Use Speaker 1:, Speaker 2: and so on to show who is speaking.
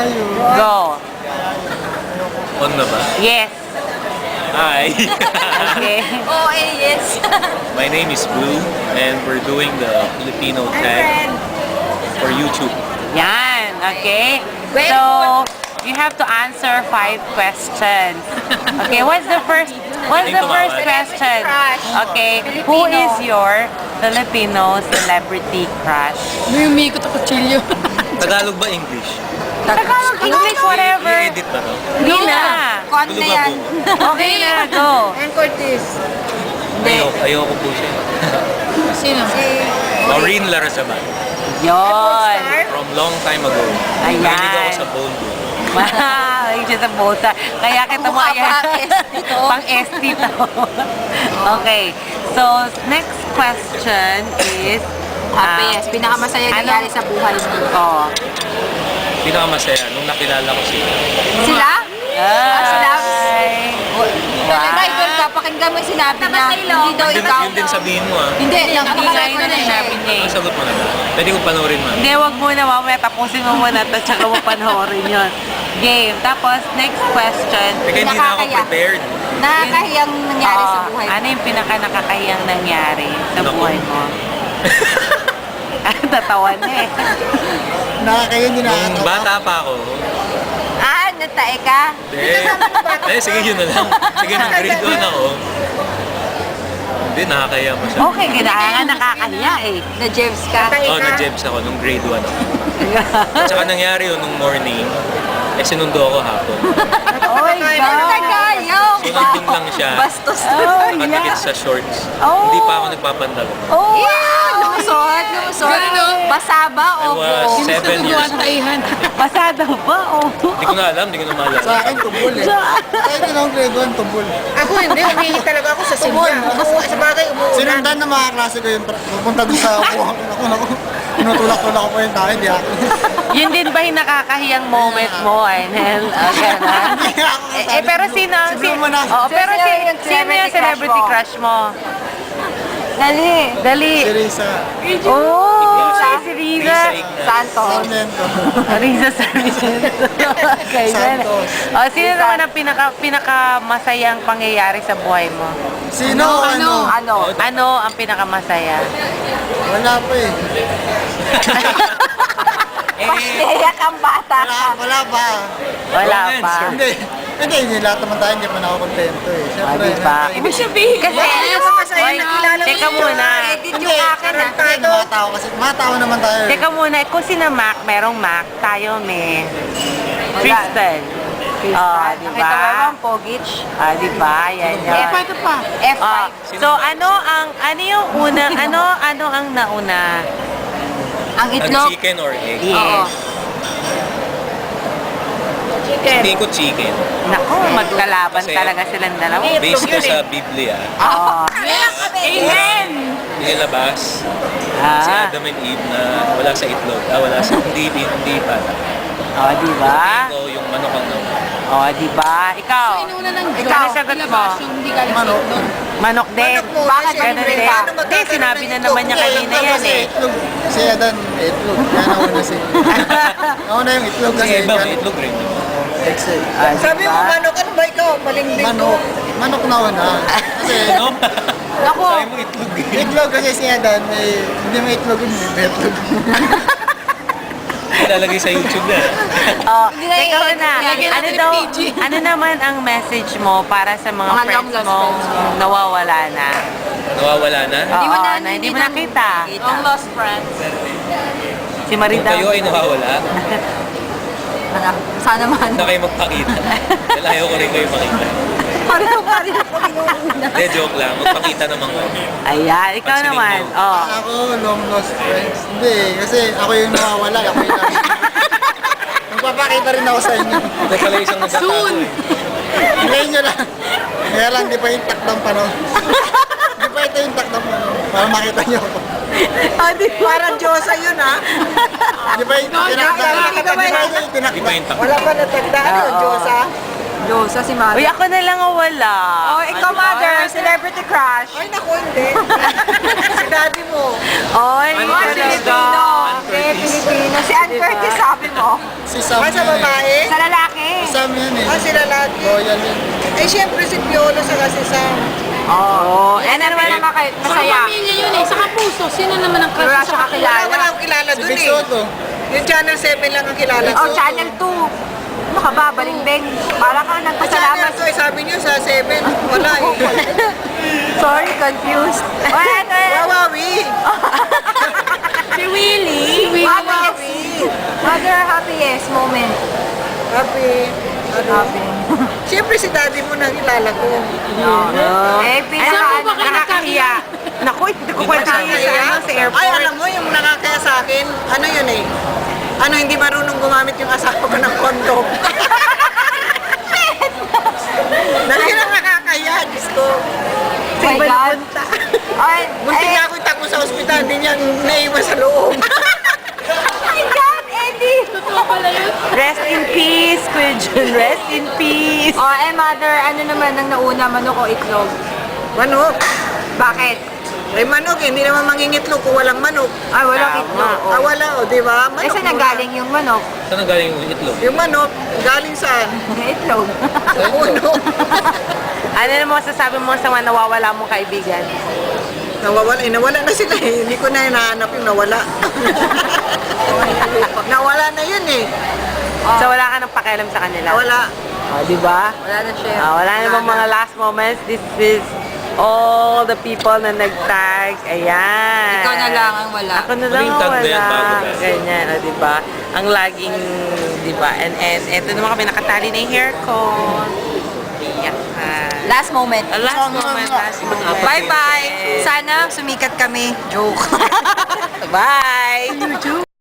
Speaker 1: Go.
Speaker 2: On na ba?
Speaker 1: Yes.
Speaker 2: Hi.
Speaker 1: Okay.
Speaker 3: Oh, yes.
Speaker 2: My name is Blue and we're doing the Filipino tag for YouTube.
Speaker 1: Yan. Okay.
Speaker 3: Very
Speaker 1: So, you have to answer 5 questions. Okay, what's the first question? Okay, who is your Filipino celebrity crush?
Speaker 3: May umikot ako, chilyo.
Speaker 2: Tagalog ba English?
Speaker 1: Tagalog, English, whatever.
Speaker 2: I-edit ba to?
Speaker 1: Hindi na.
Speaker 3: Kon na yan.
Speaker 1: Okay na, go.
Speaker 3: And Curtis.
Speaker 2: Ayoko po siya.
Speaker 3: Sino? Si...
Speaker 2: Maureen Larrazaban.
Speaker 1: Yon.
Speaker 2: From long time ago.
Speaker 1: Ayan.
Speaker 2: Mahilig ako sa bold.
Speaker 1: Wow, yung sa bolsa. Kaya kita mo
Speaker 3: Mukha
Speaker 1: ayan.
Speaker 3: pa, ST to.
Speaker 1: Pang ST to. Okay. So, next question is...
Speaker 3: Happiness. Pinakamasaya nangyari sa buhay mo.
Speaker 1: Oh.
Speaker 2: Pinakamasaya nung nakilala ko sila.
Speaker 3: Sila? Sila?
Speaker 1: Ay.
Speaker 3: Talaga, idol ka. Pakinggan mo yung sinabi niya. Hindi daw ikaw.
Speaker 2: Yun din sabihin mo ah.
Speaker 3: Hindi,
Speaker 1: Hindi nga yun ang sinabi niya eh.
Speaker 2: Ang sagot mo na ba? Pwede ko panoorin man.
Speaker 1: Hindi, wag muna mamaya. Tapusin mo muna ito tsaka mo panoorin yun. Game. Tapos, next question.
Speaker 2: Teka, hindi na ako
Speaker 3: Nakakaya.
Speaker 2: prepared.
Speaker 3: Nakakahiyang nangyari sa
Speaker 1: Oo.
Speaker 3: buhay mo.
Speaker 1: Ano yung pinaka-nakakahiyang nangyari sa
Speaker 2: Naku.
Speaker 1: buhay mo? Tatawan na eh.
Speaker 4: Nakakaya hindi
Speaker 2: Nung bata pa ako,
Speaker 3: Natae ka?
Speaker 2: sige yun na lang. Sige, nung grade 1 ako, hindi, nakakaya mo siya.
Speaker 1: Okay, kailangan nakakahiya eh.
Speaker 3: Na-Jews ka?
Speaker 2: Oh, na-jebs ako nung grade 1 ako. At saka nangyari yun nung morning, sinundo ako hapon.
Speaker 1: Oh my God!
Speaker 3: Nagayong!
Speaker 2: So, nandun lang siya.
Speaker 3: Bastos na.
Speaker 1: Oh,
Speaker 2: Nakatikit
Speaker 1: yeah.
Speaker 2: sa shorts.
Speaker 1: Oh.
Speaker 2: Hindi pa ako nagpapandalo.
Speaker 1: Oh,
Speaker 3: Yeah! Lumusot, lumusot. Basa ba
Speaker 2: I
Speaker 3: o
Speaker 2: was
Speaker 3: buo?
Speaker 2: 7 years old.
Speaker 1: Pasada ba? Oh.
Speaker 2: Hindi ko na alam, hindi ko na maalala.
Speaker 4: Sa akin, tubol eh. Kahit yun ang grade 1, tubol.
Speaker 5: Ako hindi, humingi talaga ako sa simba. Sa bagay, umuulan.
Speaker 4: Sinundan ng mga klase ko yung pupunta doon sa upuhan. Naku, tinutulak-tulak ko po yung tao, hindi ako.
Speaker 1: Yun din ba yung nakakahiyang moment mo, Arnel? Gano'n?
Speaker 4: Hindi ako kasali.
Speaker 1: Pero sino?
Speaker 4: Si Blue mo na.
Speaker 1: Oh, pero
Speaker 3: Sino yung
Speaker 1: sino yung celebrity crush mo?
Speaker 3: Dali.
Speaker 1: Dali.
Speaker 4: Si Risa.
Speaker 1: Oh, si Riza.
Speaker 3: Santos.
Speaker 4: Sarmiento.
Speaker 1: Riza Sarmiento. Okay,
Speaker 4: Santos.
Speaker 1: Oh, sino naman ang pinaka-masayang pangyayari sa buhay mo?
Speaker 4: Sino? Ano?
Speaker 1: Ano ang pinakamasaya?
Speaker 4: Wala pa eh.
Speaker 3: Iyak ang bata ka.
Speaker 4: Wala pa.
Speaker 1: Wala
Speaker 2: Wrong
Speaker 1: pa.
Speaker 2: answer.
Speaker 4: Hindi lahat naman tayo, hindi pa na ako kontento eh. Siyempre.
Speaker 1: Diba?
Speaker 3: Ibig sabihin.
Speaker 1: Kasi,
Speaker 5: masaya
Speaker 1: Oy,
Speaker 5: nakilala mo
Speaker 1: teka
Speaker 5: yun.
Speaker 1: muna.
Speaker 3: Edit yung akin ah.
Speaker 4: Hindi, mga tao kasi, mga tao naman tayo.
Speaker 1: Teka muna, kung sina Mac, merong Mac, tayo may Kristen. Oh, di
Speaker 3: Nakita mo
Speaker 1: ba?
Speaker 3: bang Pogich?
Speaker 1: Ah, di ba? Yan yun.
Speaker 3: Ito pa. F5.
Speaker 1: Ah, so ano yung una, ano ang nauna?
Speaker 3: Ang
Speaker 2: Ang
Speaker 3: itlog.
Speaker 2: chicken or egg?
Speaker 1: Yes.
Speaker 2: Hindi ko chicken.
Speaker 1: Nako, magkalaban
Speaker 2: Kasi-
Speaker 1: talaga silang dalawa.
Speaker 2: Based ko sa Biblia,
Speaker 1: Oo.
Speaker 3: Amen!
Speaker 2: nilabas si
Speaker 1: Ah,
Speaker 2: Adam and Eve na wala sa itlog. Wala sa hindi pala.
Speaker 1: oh, di ba?
Speaker 2: Ito yung manok ang naman.
Speaker 1: Oh, di ba? Ikaw. Ikaw, ano sagot mo?
Speaker 4: Manok.
Speaker 1: Manok din.
Speaker 3: Bakit?
Speaker 1: Ganun din.
Speaker 5: Paano
Speaker 1: Hindi,
Speaker 5: magkakaroon
Speaker 1: sinabi
Speaker 5: ng
Speaker 1: na
Speaker 5: itlog?
Speaker 1: naman niya kanina yan
Speaker 4: Kasi
Speaker 1: eh.
Speaker 4: itlog. Si Adan, itlog. Kaya nauna si... Nauna yung itlog kasi.
Speaker 2: Kasi iba, may itlog rin.
Speaker 4: Eggs eh.
Speaker 1: Ah, di
Speaker 5: Sabi mo,
Speaker 1: ba?
Speaker 5: manok, ano ba ikaw? Malingding
Speaker 4: Manok. Manok na una. Kasi
Speaker 2: Ano?
Speaker 3: Naku.
Speaker 2: Sabi mo itlog eh.
Speaker 4: itlog kasi si Adan, hindi may itlog yun, may itlog.
Speaker 2: Ilalagay sa YouTube na.
Speaker 1: Oh,
Speaker 3: Hindi na
Speaker 1: ikaw
Speaker 3: i-edit
Speaker 1: na.
Speaker 3: yan.
Speaker 1: Ano daw, ano naman ang message mo para sa mga
Speaker 3: Mga
Speaker 1: friends
Speaker 3: long-lost
Speaker 1: mong
Speaker 3: friends mo.
Speaker 1: nawawala na?
Speaker 2: Nawawala na?
Speaker 1: Oo, na hindi mo nakita.
Speaker 3: Long lost friends.
Speaker 1: Si
Speaker 2: Kung
Speaker 1: Marita.
Speaker 2: kayo ay nawawala,
Speaker 3: Sana man.
Speaker 2: na kayo magpakita. Dahil ayaw ko rin kayo makita.
Speaker 3: Pareho pa rin ako inuuna.
Speaker 2: Hindi, joke lang. Magpakita naman kayo.
Speaker 1: Ayan, ikaw
Speaker 2: Pansinin
Speaker 1: naman.
Speaker 2: mo.
Speaker 1: Oh.
Speaker 4: Ako, long lost friends. Hindi, kasi ako yung nawawala. Ako yung Magpapakita rin ako sa inyo.
Speaker 2: Ito pala isang nagtatago eh.
Speaker 4: Ngayon nyo lang. Kaya lang, di pa yung takdang panahon. Di pa ito yung takdang panahon. Para makita nyo ako.
Speaker 5: Parang Diyosa yun, ha?
Speaker 4: Di ba yung tinakdang? Di ba yung
Speaker 2: Di ba
Speaker 4: tinakdang?
Speaker 2: yung takbo?
Speaker 5: Wala pa natagdaan,
Speaker 1: Oo.
Speaker 5: Diyosa.
Speaker 3: Diyos, si mother.
Speaker 1: Uy, ako na lang ang wala.
Speaker 3: Oh, ikaw, mother, celebrity crush.
Speaker 5: Ay, naku, hindi. Si daddy mo.
Speaker 1: Oy,
Speaker 2: Ano
Speaker 3: Filipino. Okay, Filipino. Si Ann Curtis, sabi mo.
Speaker 4: Si Sam
Speaker 5: Ah, sa
Speaker 4: yun eh.
Speaker 5: babae?
Speaker 3: Sa lalaki.
Speaker 4: Si Sam yun eh.
Speaker 5: Ah, sila lagi.
Speaker 4: Royal yun.
Speaker 5: Eh, syempre si Piolo sa si Sam.
Speaker 1: Oh,
Speaker 3: Yan na naman ang masaya.
Speaker 6: Pamilya yun eh, saka puso. Sino naman ang
Speaker 3: Wala
Speaker 6: crush
Speaker 3: siya
Speaker 6: sa
Speaker 3: kakilala.
Speaker 5: Wala akong kilala
Speaker 4: Si
Speaker 5: dun
Speaker 4: Big
Speaker 5: eh.
Speaker 4: Soto.
Speaker 5: Yung Channel 7 lang ang kilala ko.
Speaker 3: Oh, Channel 2. Ano ka ba? Balimbing. Para ka
Speaker 5: Sa Channel
Speaker 3: nagpasalamat.
Speaker 5: 2, eh, sabi niyo sa 7, wala eh.
Speaker 3: Sorry, confused. What?
Speaker 5: Wawawi.
Speaker 3: Si Willie. Mother, happiest moment.
Speaker 5: Happy.
Speaker 3: Happy.
Speaker 5: Siyempre si daddy mo nang kilala ko.
Speaker 3: Eh,
Speaker 6: Saan po ba kayo
Speaker 1: nakakahiya. Naku, hindi ko kwento sa airport.
Speaker 5: Ay, alam mo, yung nakakaya sa akin, ano yun eh? Ano, hindi marunong gumamit yung asawa ko ng kondom. Dahil lang nakakaya, Diyos ko.
Speaker 3: Oh my God. Ay,
Speaker 5: Muntik na ako itakbo sa ospital, hindi niya naiwan sa loob.
Speaker 3: oh my God, Eddie.
Speaker 6: Totoo pala yun.
Speaker 1: Rest in peace, Kuya Jun. Rest in peace.
Speaker 3: Oh, mother, ano naman ang nauna, manok o itlog?
Speaker 5: Manok.
Speaker 3: Bakit?
Speaker 5: Ay, manok eh, hindi naman mangingitlog kung walang manok.
Speaker 3: Ay, walang itlog.
Speaker 5: Ah, wala, o, di ba?
Speaker 3: Eh, saan nanggaling yung manok?
Speaker 2: Saan ang galing yung itlog?
Speaker 5: Yung manok, galing saan?
Speaker 3: Yung itlog.
Speaker 5: Sa puno.
Speaker 1: Ano naman masasabi mo sa mga nawawala mong kaibigan?
Speaker 5: Nawawala, eh, nawala na sila eh. Hindi ko na hinahanap yung nawala. Nawala na yun eh.
Speaker 1: So wala ka nang pakialam sa kanila?
Speaker 5: Nawala.
Speaker 1: Oh, di ba?
Speaker 3: Wala na siya.
Speaker 1: Wala namang mga last moments. This is all the people na nag-tag. Ayan.
Speaker 3: Ikaw na lang ang wala.
Speaker 1: Ako na lang
Speaker 2: Huling
Speaker 1: ang
Speaker 2: tag na yan
Speaker 1: wala.
Speaker 2: bago best.
Speaker 1: Ganyan, o, di ba? Ang laging, di ba? And eto naman kami nakatali na yung hair ko. Iyak ka.
Speaker 3: Last moment.
Speaker 1: Last moment.
Speaker 3: Bye-bye. Sana sumikat kami. Joke.
Speaker 1: Bye!